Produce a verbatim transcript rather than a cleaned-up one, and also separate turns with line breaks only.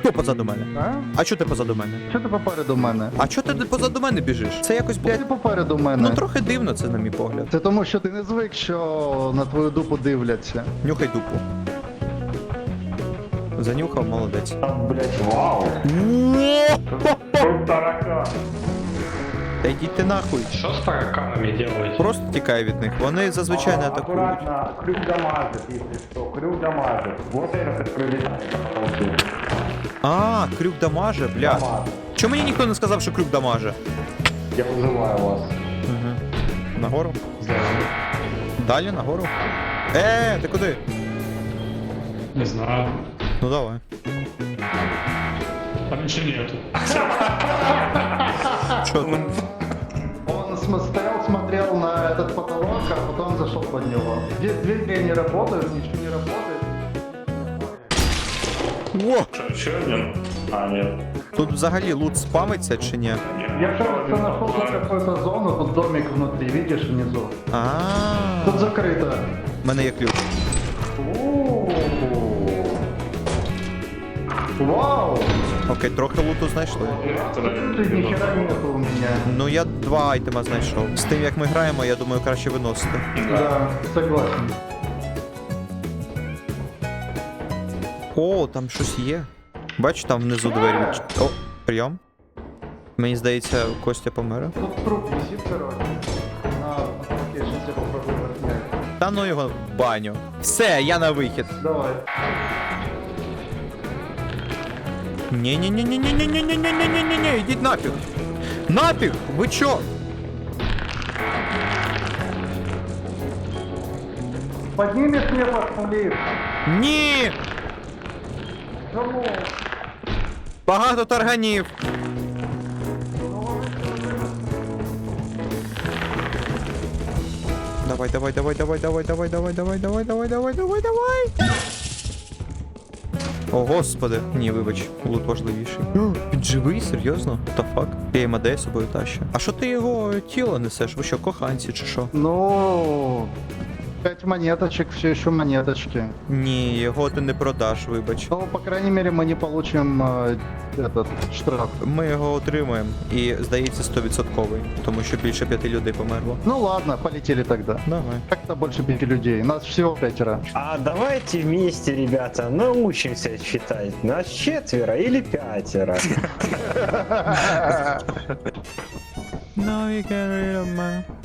Хто позаду мене?
А?
А чого ти позаду мене?
Що ти попереду мене?
А чого ти позаду мене біжиш? Це якось,
Ти
блядь,
попереду мене.
ну трохи дивно це, на мій погляд.
Це тому, що ти не звик, що на твою дупу дивляться.
Нюхай дупу. Занюхав, молодець.
Блять, вау. Тут таракан.
Та йдіть ти нахуй.
Что с тараканами делаете?
Просто тікай від них. Вони зазвичай не атакують.
Аккуратно, крюк дамажит, если что. Крюк дамажит. Вот этот прилетает.
А, крюк дамаже, бля.
Дамажит.
Чому мені ніхто не сказав, що крюк дамаже?
Я вызываю вас.
Угу. Нагору? Далі, нагору. Е, ти куди?
Не знаю.
Ну давай.
Там ничего нету.
Чо там?
Он см- стоял, смотрел на этот потолок, а потом зашел под него. Здесь двери не работают, ничего не работает.
О!
Че один? А, нет.
Тут взагалі лут спамиться чи ні?
Я, кажется, нашел тут какую-то зону, тут домик внутри, видишь, внизу.
А,
Тут закрыто.
в мене є ключ.
У-у-у. Вау!
Окей, трохи луту знайшли.
Тут ни хера нету у меня.
Ну я два айтема знайшов. З тим як ми граємо, я думаю, краще виносити.
Да, согласен.
О, там щось є. Бачу, там внизу двері відч... О, прийом. Мені здається, Костя помер.
Тут труп висит, короче. На, окей, сейчас я попробую отнять.
Та ну його в баню. Все, я на вихід.
Давай.
Ні-ні-ні-ні-ні-ні-ні-ні-ні-ні-ні-ні, ідіть нафіг. Нафіг! Ви чо?
Поднимешь мне пошли.
Ні!
Кому?
Багато тарганів. Давай, давай, давай, давай, давай, давай, давай, давай, давай, давай, давай, давай, давай. О, господи. Ні, вибач, лут важливіший. О, він живий, серйозно? Та фак? Я їм АД з собою тащу. А що ти його тіло несеш? Ви що, коханці чи що?
Ну, пять монеточек, все еще монеточки.
Ні, його ти не продаш, вибач.
Ну, по крайней мере, мы не получим э, этот штраф.
Ми його отримаємо і, здається, сто відсотків, тому що більше п'яти людей померло.
Ну ладно, полетели тогда.
Давай.
Как-то больше пяти людей. Нас всего пятеро.
А давайте вместе, ребята, научимся считать. Нас четверо или пятеро.
No, you get rid of my...